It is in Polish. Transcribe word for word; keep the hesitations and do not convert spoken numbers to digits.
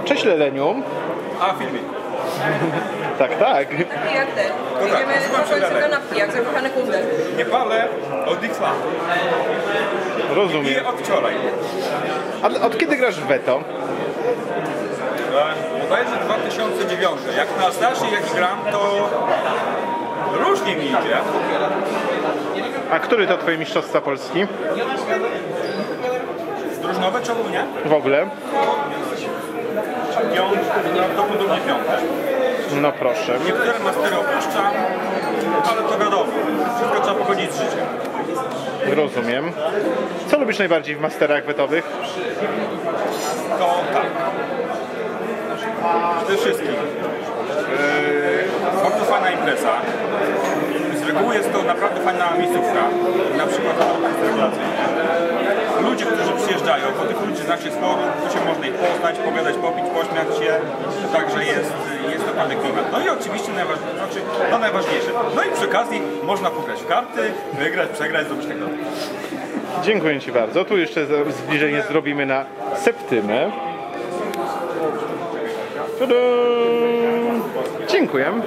Cześć Leleniu. A, filmik. Tak, tak. Jak ten. No tak, Idziemy nazywam się na końcu Lelek. kanapki, jak zakochany kundel. Nie palę od X lat. Rozumiem. Piję od wczoraj. A od kiedy grasz w Veto? Bodajże dwa tysiące dziewiąty. Jak na starszej jak gram, to różnie mi idzie. A który to twoje mistrzostwa Polski? Drużynowe czy ogólnie? W ogóle? Piąte, prawdopodobnie piąte. No proszę. Niektóre mastery opuszczam, ale to wiadomo. Wszystko trzeba pogodzić z życiem. Rozumiem. Co lubisz najbardziej w masterach wetowych? To tak. Przede wszystkim yy, bardzo fajna impreza. Z reguły jest to naprawdę fajna miejscówka. Na przykład ludzie, którzy przyjeżdżają, bo tych ludzi znaczy sporo, tu się można ich poznać, pogadać, popić, pośmiać się. Także jest, jest naprawdę klimat. No i oczywiście najważniejsze, znaczy, no najważniejsze. No i przy okazji można pograć w karty, wygrać, przegrać, zrobić tak dalej. Dziękuję Ci bardzo. Tu jeszcze zbliżenie zrobimy na Septymę. Tada! Dziękuję.